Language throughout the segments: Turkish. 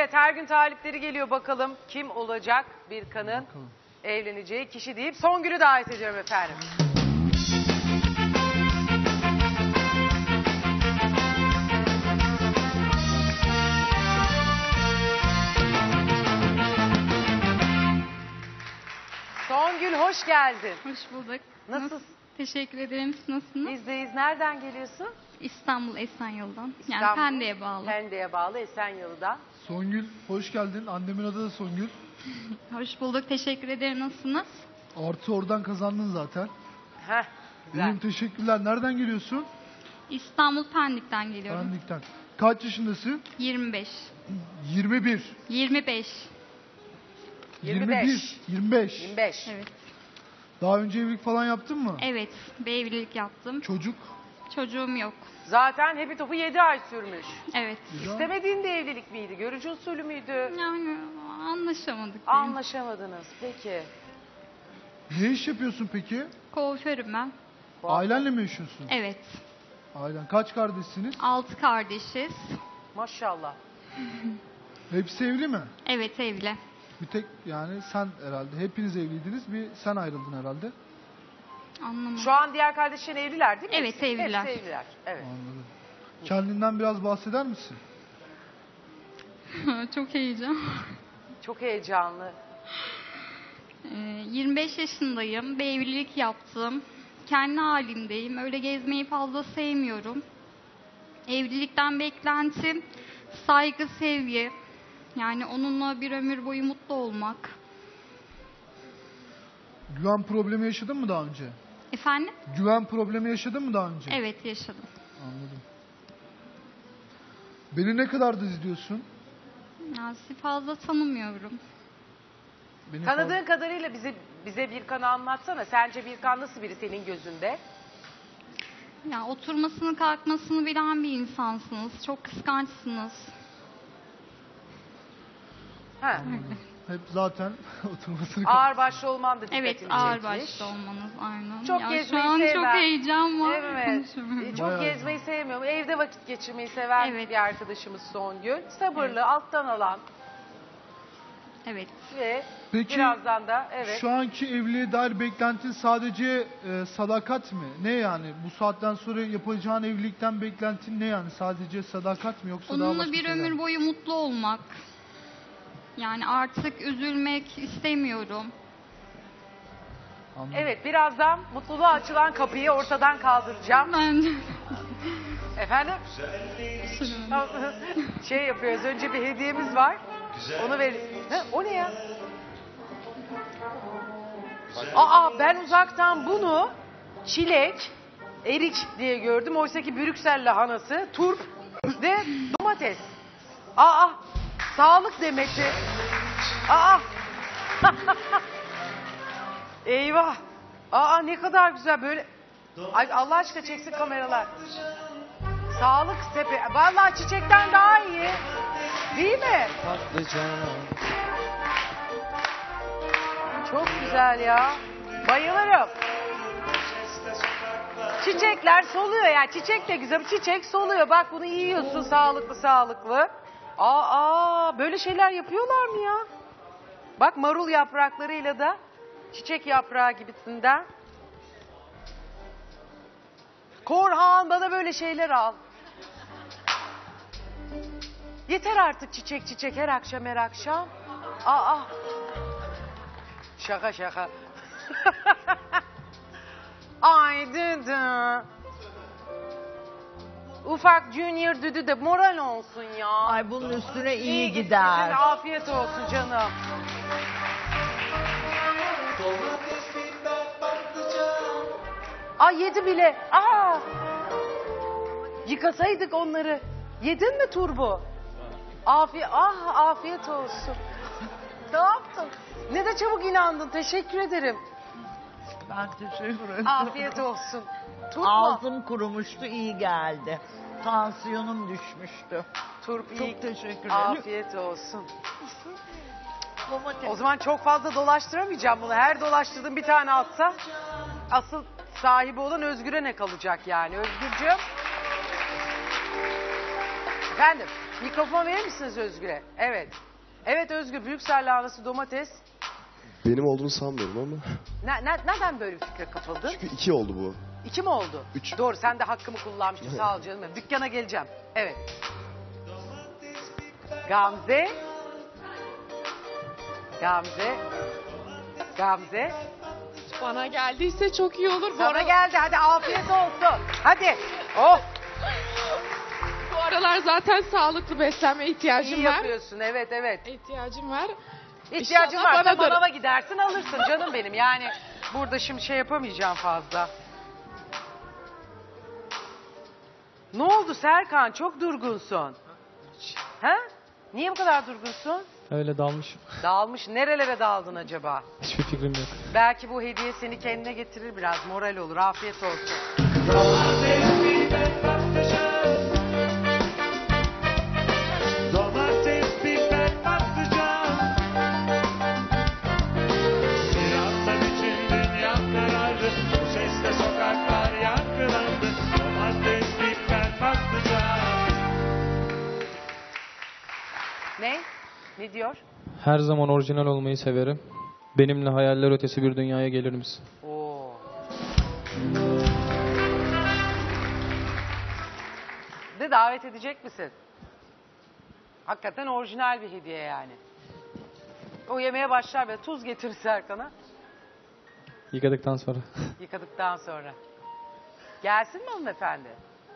Evet, her gün talipleri geliyor, bakalım kim olacak Birkan'ın evleneceği kişi deyip Songül'ü davet ediyorum efendim. Songül, hoş geldin. Hoş bulduk. Nasılsın? Teşekkür ederim. Siz nasılsınız? Bizdeyiz. Nereden geliyorsun? İstanbul Esenyurt'dan. İstanbul, Yani Pendik'e bağlı. Pendik'e bağlı Esenyalı'dan. Songül, hoş geldin. Annemin adı da Songül. Hoş bulduk. Teşekkür ederim. Nasılsınız? Artı oradan kazandın zaten. Heh, güzel. İyiyim, teşekkürler. Nereden geliyorsun? İstanbul Pendik'ten geliyorum. Pendik'ten. Kaç yaşındasın? 25. 21. 25. 25. 25. 25. Evet. Daha önce evlilik falan yaptın mı? Evet. Bir evlilik yaptım. Çocuk. Çocuğum yok. Zaten hepi topu 7 ay sürmüş. Evet. Güzel. İstemediğin de evlilik miydi? Görücü usulü müydü? Yani anlaşamadık. diyeyim. Anlaşamadınız. Peki. Ne iş yapıyorsun peki? Kuaförüm ben. Ailenle mi yaşıyorsun? Evet. Ailen. Kaç kardeşsiniz? 6 kardeşiz. Maşallah. Hepsi evli mi? Evet, evli. Bir tek yani sen herhalde. Hepiniz evliydiniz. Bir sen ayrıldın herhalde. Anlamadım. Şu an diğer kardeşlerin evliler değil mi? Evet, evliler. Hepsi evliler. Evet. Anladım. Kendinden biraz bahseder misin? Çok heyecan. Çok heyecanlı. 25 yaşındayım. Bir evlilik yaptım. Kendi halimdeyim. Öyle gezmeyi fazla sevmiyorum. Evlilikten beklentim saygı, sevgi. Yani onunla bir ömür boyu mutlu olmak. Güven problemi yaşadın mı daha önce? Efendim? Güven problemi yaşadın mı daha önce? Evet, yaşadım. Anladım. Beni ne kadardır izliyorsun? Yani sizi fazla tanımıyorum. Beni Tanıdığın kadarıyla bize Birkan'ı anlatsana. Sence Birkan nasıl biri senin gözünde? Yani oturmasını kalkmasını bilen bir insansınız. Çok kıskançsınız. Ha. Hep zaten oturmasını Ağır başlı olman da dikkatini Evet, çekmiş. ağır başlı olmanız aynen. Çok ya gezmeyi şu an sevmem. çok heyecan var. Evet. Konuşamıyorum. Çok Bayağı gezmeyi sevmiyorum. Evde vakit geçirmeyi seven Evet. bir arkadaşımız Songül. Sabırlı, Evet. alttan alan Evet. ve Peki, birazdan da evet. şu anki evliliğe dair beklentin sadece sadakat mi? Ne yani? Bu saatten sonra yapacağın evlilikten beklentin ne yani? Sadece sadakat mi yoksa daha Onunla başka bir şeyler mi? ömür boyu mutlu olmak. Yani artık üzülmek istemiyorum. Anladım. Evet, birazdan mutluluğa açılan kapıyı ortadan kaldıracağım. Bence Efendim? Şey yapıyoruz. Önce bir hediyemiz var. Onu veririz. Ha, o ne ya? Aa, ben uzaktan bunu çilek, erik diye gördüm. Oysa ki Brüksel lahanası, turp ve domates. Aa, sağlık demeti. Aa. Eyvah. Aa, ne kadar güzel böyle. Ay, Allah aşkına çeksin kameralar. Sağlık sepe. Vallahi çiçekten daha iyi. Değil mi? Çok güzel ya. Bayılırım. Çiçekler soluyor yani. Çiçek de güzel. Çiçek soluyor. Bak bunu yiyorsun sağlıklı sağlıklı. Aa, böyle şeyler yapıyorlar mı ya? Bak marul yapraklarıyla da çiçek yaprağı gibisinden. Korhan, bana böyle şeyler al. Yeter artık çiçek her akşam her akşam. Aa. Şaka. Ay düdü. Ufak Junior düdü de moral olsun ya. Ay bunun üstüne iyi gitsin, gider. afiyet olsun canım. Ay yedi bile. Aa. Yıkasaydık onları. Yedin mi turbu? Afiyet olsun. Ne yaptın? Ne de çabuk inandın. Teşekkür ederim. Ben teşekkür ederim. Afiyet olsun. Turp mu? Ağzım kurumuştu, iyi geldi. Tansiyonum düşmüştü. Turp iyi. Çok teşekkür ederim. Afiyet olsun. Domates. O zaman çok fazla dolaştıramayacağım bunu. Her dolaştırdığım bir tane atsa asıl sahibi olan Özgür'e ne kalacak yani? Özgürcüğüm. Efendim? Mikrofon verir misiniz Özgür'e? Evet. Evet Özgür, Brüksel lahanası, domates. Benim olduğunu sanmıyorum ama. Neden böyle bir fikre kapıldın? Çünkü 2 oldu bu. 2 mi oldu? 3. Doğru, sen de hakkımı kullanmıştın. Sağ ol canım. Dükkana geleceğim. Evet. Gamze. Gamze. Gamze. Bana geldiyse çok iyi olur. Sana geldi. Hadi afiyet olsun. Hadi. Oh. Bu aralar zaten sağlıklı beslenme ihtiyacım İyi var. yapıyorsun. Evet evet. İhtiyacım var. İhtiyacın İnşallah varsa banadır. manava gidersin alırsın canım benim. Yani burada şimdi şey yapamayacağım fazla. Ne oldu Serkan? Çok durgunsun. Ha? Niye bu kadar durgunsun? Öyle dalmışım. Dağılmış. Nerelere daldın acaba? Hiçbir fikrim yok. Belki bu hediye seni kendine getirir biraz. Moral olur. Afiyet olsun. Domates, biber, patlıcan. Birazdan için dünya karardı. Bu sesle sokaklar yankılandı. Domates, biber, patlıcan. Ne? Ne diyor? Her zaman orijinal olmayı severim. Benimle hayaller ötesi bir dünyaya gelir misin? Oo. De davet edecek misin? Hakikaten orijinal bir hediye yani. O yemeğe başlar ve tuz getirir Serkan'a. Yıkadıktan sonra. Yıkadıktan sonra. Gelsin mi hanımefendi?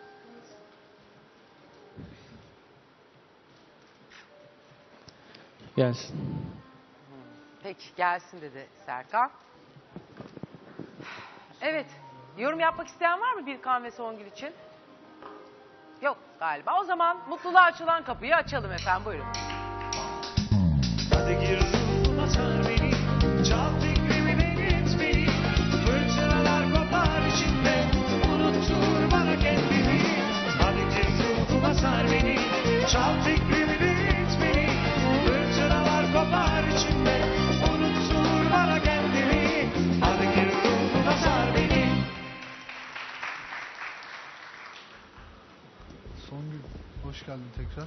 Gelsin. Peki gelsin dedi Serkan. Evet. Yorum yapmak isteyen var mı Birkan ve Songül için? Yok galiba. O zaman mutluluğa açılan kapıyı açalım efendim. Buyurun. Hadi gir ruhuma sar beni. Çal fikrimi deniz beni. Fırtınalar kopar içimde. Unuttur bana kendimi. Hadi gir ruhuma sar beni. Çal fikrimi deniz beni. Fırtınalar kopar içimde. Unuttur bana kendimi. Hadi gir ruhuma sar beni. Songül, hoş geldin tekrar.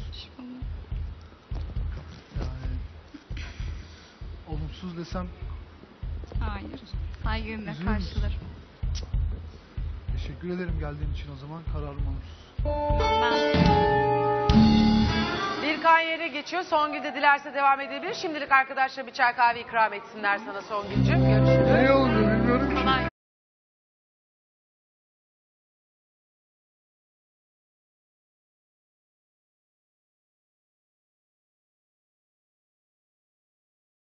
Yani olumsuz desem Hayır. Saygıyla Üzülür müsün? karşılarım. teşekkür ederim geldiğin için o zaman. Kararım olumsuz. Birkan yere geçiyor. Songül de dilerse devam edebilir. Şimdilik arkadaşlar bir çay kahve ikram etsinler sana Songül'cüğüm. Görüşürüz.